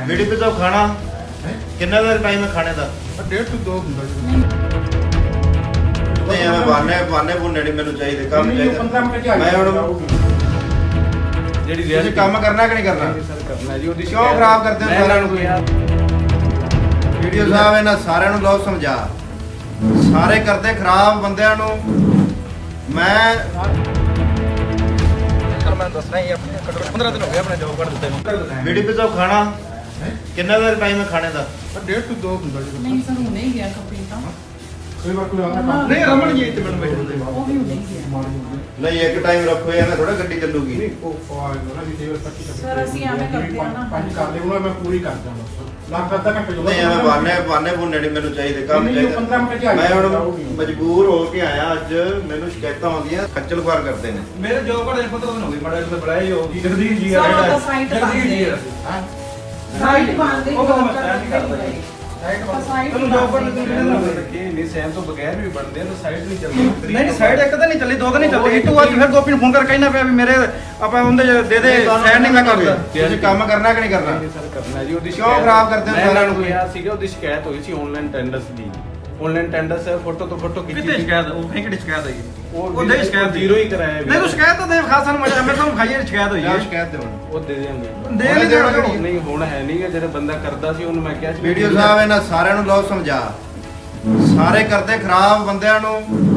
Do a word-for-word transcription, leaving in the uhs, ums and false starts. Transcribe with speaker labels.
Speaker 1: ਬੀੜੀ ਪੀਤਾ ਖਾਣਾ ਕਿੰਨਾ ਦਾ ਟਾਈਮ ਹੈ ਖਾਣੇ ਦਾ?
Speaker 2: ਡੇਢ ਤੋਂ ਦੋ ਹੁੰਦਾ ਜੀ।
Speaker 1: ਨਹੀਂ ਐਵੇਂ ਬਾਨੇ ਬਾਨੇ ਬੁੰਨੇ ਨਹੀਂ ਮੈਨੂੰ ਚਾਹੀਦੇ, ਕੰਮ ਚਾਹੀਦਾ।
Speaker 2: ਪੰਦਰਾਂ ਮਿੰਟ ਚ ਆ
Speaker 1: ਮੈਂ ਹੁਣ
Speaker 2: ਜਿਹੜੀ
Speaker 1: ਤੁਸੀਂ ਕੰਮ ਕਰਨਾ ਕਿ ਨਹੀਂ ਕਰਨਾ?
Speaker 2: ਸਰ ਕਰਨਾ ਜੀ। ਉਹਦੀ
Speaker 1: ਕਿਉਂ ਖਰਾਬ ਕਰਦੇ ਹੋ ਸਾਰਿਆਂ ਨੂੰ? ਵੀਡੀਓ ਸਾਹਿਬ ਇਹਨਾਂ ਸਾਰਿਆਂ ਨੂੰ ਲਓ ਸਮਝਾ, ਸਾਰੇ ਕਰਦੇ ਖਰਾਬ ਬੰਦਿਆਂ ਨੂੰ। ਮੈਂ
Speaker 2: ਮੈਂ ਦੱਸਣਾ ਹੀ ਆਪਣੇ ਘੱਟੋ ਪੰਦਰਾਂ ਦਿਨ ਹੋ ਗਏ ਆਪਣੇ ਜੋਬ ਕਰ ਦਿੱਤੇ ਨੂੰ।
Speaker 1: ਬੀੜੀ ਪੀਤਾ ਖਾਣਾ ਕਿੰਨਾ ਦਾ ਟਾਈਮ ਹੈ ਖਾਣੇ ਦਾ?
Speaker 2: ਡੇਢ ਤੋਂ ਦੋ ਹੁੰਦਾ ਜੀ।
Speaker 3: ਨਹੀਂ ਸਰ ਹੁਣੇ ਹੀ ਗਿਆ ਕੰਪਨੀ ਤਾਂ
Speaker 2: ਕਈ ਵਾਰ ਕੋਈ ਆਉਂਦਾ ਨਹੀਂ ਰਮਣ ਜੀ ਇੱਥੇ ਮੈਨੂੰ ਬੈਠੇ
Speaker 3: ਉਹ ਵੀ ਹੁਣੇ ਹੀ ਗਿਆ।
Speaker 1: ਨਹੀਂ ਇੱਕ ਟਾਈਮ ਰੱਖੋ, ਐਵੇਂ ਥੋੜਾ ਗੱਡੀ ਚੱਲੂਗੀ।
Speaker 2: ਨਹੀਂ ਉਹ ਆਏਗਾ ਨਾ ਵੀ ਦੇਵਰ ਪੱਚੀ
Speaker 3: ਸਰ, ਅਸੀਂ ਐਵੇਂ ਕਰਦੇ ਆ ਨਾ।
Speaker 2: ਪੰਜ ਕਰ ਦੇ ਉਹਨਾਂ ਮੈਂ ਪੂਰੀ ਕਰ ਦਾਂਗਾ। ਲੱਖ ਅੱਧਾ ਘੰਟੇ ਜੋ
Speaker 1: ਨਹੀਂ ਐਵੇਂ ਬਾਨੇ ਬਾਨੇ ਬੁੰਨੇ ਨਹੀਂ ਮੈਨੂੰ ਚਾਹੀਦੇ, ਕੰਮ
Speaker 2: ਨਹੀਂ, ਪੰਦਰਾਂ ਮਿੰਟ ਚ ਆ
Speaker 1: ਚਾਹੀਦਾ। ਮੈਂ
Speaker 2: ਜਾਊਗਾ।
Speaker 1: ਹੁਣ ਮਜਬੂਰ ਹੋ ਕੇ ਆਇਆ ਅੱਜ, ਮੈਨੂੰ ਸ਼ਿਕਾਇਤਾਂ ਆਉਂਦੀਆਂ, ਖੱਜਲ ਖੁਆਰ ਕਰਦੇ ਨੇ।
Speaker 2: ਮੇਰੇ ਜੋਬ ਘੜੇ ਪੰਦਰਾਂ ਦਿਨ ਹੋ ਗਏ ਬੜਾ ਜਿਹਾ ਬੜਾਈ ਹੋ ਗਈ। ਜਗਦੀਸ਼ ਜੀ ਆ
Speaker 3: ਸਰ, ਉਹ
Speaker 2: ਰਿਹਾ
Speaker 3: ਤਾਂ ਸਾਈਟ
Speaker 2: ਜਗਦੀਸ਼ ਜੀ ਆ।
Speaker 3: ਹਾਂ ਸਾਈਟ ਬੰਦ
Speaker 2: ਉਹ ਤਾਂ ਮੈਂ ਤੈਅ ਨਹੀਂ ਕਰਦਾ ਜੀ।
Speaker 3: ਸਾਈਟ
Speaker 2: ਤੁਹਾਨੂੰ ਜੋਬ ਕਰਨ ਦੇ ਨਹੀਂ ਸੈਮ ਤੋਂ ਬਗੈਰ ਵੀ ਬਣਦੇ ਆ ਤਾਂ ਸਾਈਡ ਨਹੀਂ ਚੱਲਦੀ। ਨਹੀਂ ਸਾਈਡ ਇੱਕ ਤਾਂ ਨਹੀਂ ਚੱਲੀ, ਦੋ ਤਾਂ ਨਹੀਂ ਚੱਲਦੀ। ਇੱਕ ਵਾਰ ਫਿਰ ਗੋਪੀ ਨੂੰ ਫੋਨ ਕਰਕੇ ਕਹਿਣਾ ਪਿਆ ਵੀ ਮੇਰੇ ਆਪਾਂ ਉਹਦੇ ਦੇ ਦੇ ਸਾਈਡ ਨਹੀਂ ਮੈਂ ਕਰਦਾ।
Speaker 1: ਤੁਸੀਂ ਕੰਮ ਕਰਨਾ ਕਿ ਨਹੀਂ ਕਰਨਾ?
Speaker 2: ਸਰ ਕਰਨਾ ਜੀ। ਉਹਦੀ
Speaker 1: ਕਿਉਂ ਖਰਾਬ ਕਰਦੇ ਹੋ ਸਾਰਿਆਂ ਨੂੰ?
Speaker 2: ਕਿਹਾ ਸੀਗਾ ਉਹਦੀ ਸ਼ਿਕਾਇਤ ਹੋਈ ਸੀ ਆਨਲਾਈਨ ਟੈਂਡਰਸ ਦੀ। ਆਨਲਾਈਨ ਟੈਂਡਰਸ ਫੋਟੋ ਤੋਂ ਫੋਟੋ ਖਿੱਚੀ
Speaker 4: ਕਿਤੇ ਸ਼ਿਕਾਇਤ ਉਹ ਫੇਕ ਦੀ ਸ਼ਿਕਾਇਤ ਆਈ
Speaker 2: ਉਹ
Speaker 4: ਉਹ ਦੇ ਸ਼ਿਕਾਇਤ
Speaker 2: ਜ਼ੀਰੋ ਹੀ ਕਰਾਇਆ
Speaker 4: ਨਹੀਂ ਤੂੰ ਸ਼ਿਕਾਇਤ ਤਾਂ ਦੇ ਖਾਸ ਸਾਨੂੰ ਮਜ਼ਾ ਮੈਂ ਤਾਂ ਖਾਈ ਸ਼ਿਕਾਇਤ ਹੋਈ
Speaker 1: ਜਾਂ
Speaker 4: ਹੈ
Speaker 1: ਸ਼ਿਕਾਇਤ ਦੇਵਣ
Speaker 2: ਉਹ ਦੇ ਦੇਣਗੇ।
Speaker 4: ਦੇ ਨਹੀਂ ਦੇਣਾ ਕਿਹੜੀ
Speaker 2: ਨਹੀਂ ਹੁਣ ਹੈ ਨਹੀਂ ਗਾ। ਜਿਹੜਾ ਬੰਦਾ ਕਰਦਾ ਸੀ ਉਹਨੂੰ ਮੈਂ ਕਿਹਾ ਸੀ
Speaker 1: ਵੀਡੀਓ ਸਾਹਿਬ ਇਹਨਾਂ ਸਾਰਿਆਂ ਨੂੰ ਲਓ ਸਮਝਾ, ਸਾਰੇ ਕਰਦੇ ਖਰਾਬ ਬੰਦਿਆਂ ਨੂੰ।